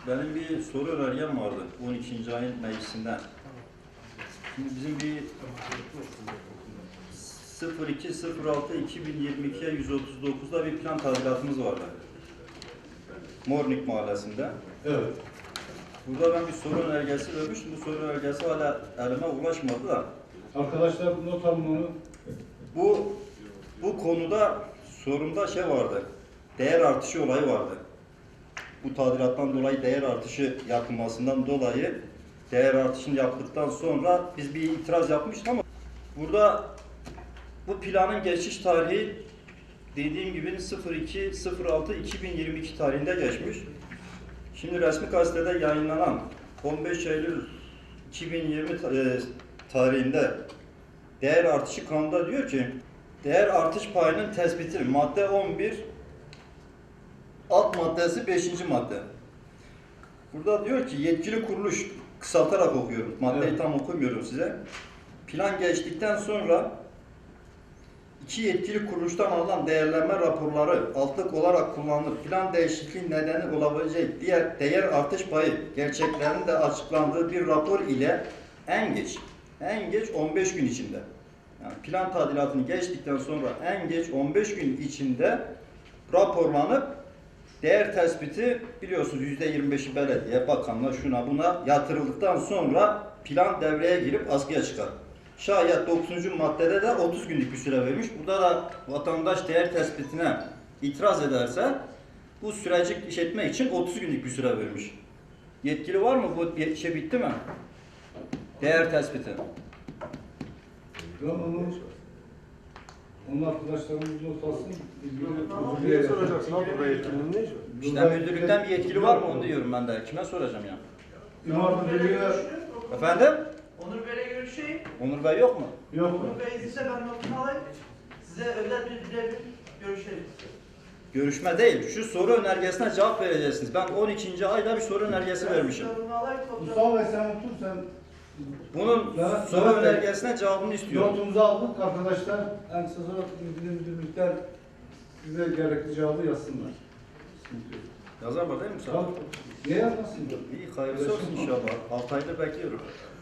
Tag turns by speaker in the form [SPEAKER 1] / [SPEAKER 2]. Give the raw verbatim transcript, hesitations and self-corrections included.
[SPEAKER 1] Benim bir soru önergem vardı on ikinci ayın meclisinden. Şimdi bizim bir sıfır iki sıfır altı iki bin yirmi iki'ye yüz otuz dokuz'da bir plan tadilatımız vardı. Mornik Mahallesi'nde.
[SPEAKER 2] Evet.
[SPEAKER 1] Burada ben bir soru önergesi vermiştim. Bu soru önergesi hala elime ulaşmadı da.
[SPEAKER 2] Arkadaşlar not alın onu.
[SPEAKER 1] Bu bu konuda sorumda şey vardı. Değer artışı olayı vardı. Bu tadilattan dolayı değer artışı yapılmasından dolayı değer artışını yaptıktan sonra biz bir itiraz yapmıştık ama burada bu planın geçiş tarihi dediğim gibi sıfır iki sıfır altı iki bin yirmi iki tarihinde geçmiş. Şimdi resmi gazetede yayınlanan on beş Eylül iki bin yirmi tarihinde değer artışı kanunda diyor ki değer artış payının tespiti madde on bir alt maddesi beşinci madde. Burada diyor ki yetkili kuruluş, kısaltarak okuyorum. Maddeyi
[SPEAKER 2] Evet.
[SPEAKER 1] tam okumuyorum size. Plan geçtikten sonra iki yetkili kuruluştan alınan değerlenme raporları altlık olarak kullanılır. Plan değişikliği nedeni olabilecek diğer değer artış payı gerçeklerinin de açıklandığı bir rapor ile en geç en geç on beş gün içinde, yani plan tadilatını geçtikten sonra en geç on beş gün içinde raporlanıp değer tespiti biliyorsunuz yüzde yirmi beş'i belediye, bakanlar şuna buna yatırıldıktan sonra plan devreye girip askıya çıkar. Şayet dokuzuncu maddede de otuz günlük bir süre vermiş. Burada da vatandaş değer tespitine itiraz ederse bu süreci işletmek için otuz günlük bir süre vermiş. Yetkili var mı? Bu şey bitti mi? Değer tespiti.
[SPEAKER 2] Ben onu onun arkadaşlarımız not alsın.
[SPEAKER 3] Niye soracaksın abi burada yetkilinin ne işi var?
[SPEAKER 1] İşte müdürlükten bir yetkili var mı onu diyorum ben de. Kime soracağım ya?
[SPEAKER 2] İmar Müdürlüğü'ne
[SPEAKER 1] Efendim?
[SPEAKER 4] Onur Bey'le görüşeyim.
[SPEAKER 1] Onur Bey yok mu?
[SPEAKER 2] yok mu?
[SPEAKER 4] Onur Bey izinse ben notunu alayım. Size özel bir birebir görüşelim.
[SPEAKER 1] Görüşme değil. Şu soru önergesine cevap vereceksiniz. Ben on ikinci ayda bir soru önergesi vermişim.
[SPEAKER 4] Notunu alayım, fotoğraf-
[SPEAKER 2] Mustafa Bey sen otur sen.
[SPEAKER 1] Bunun
[SPEAKER 2] Levent-
[SPEAKER 1] soru
[SPEAKER 2] Levent Bey,
[SPEAKER 1] önergesine cevabını istiyorum.
[SPEAKER 2] Notumuzu aldık arkadaşlar. En kısa sonra ilgili müdürlükten size gerekli cevabı yazsınlar. Sıkıntı yok.
[SPEAKER 1] Yazar var değil mi Musa?
[SPEAKER 2] Tamam. Ne yazmasın?
[SPEAKER 1] İyi hayırlısı olsun inşallah. altı aydır bekliyorum.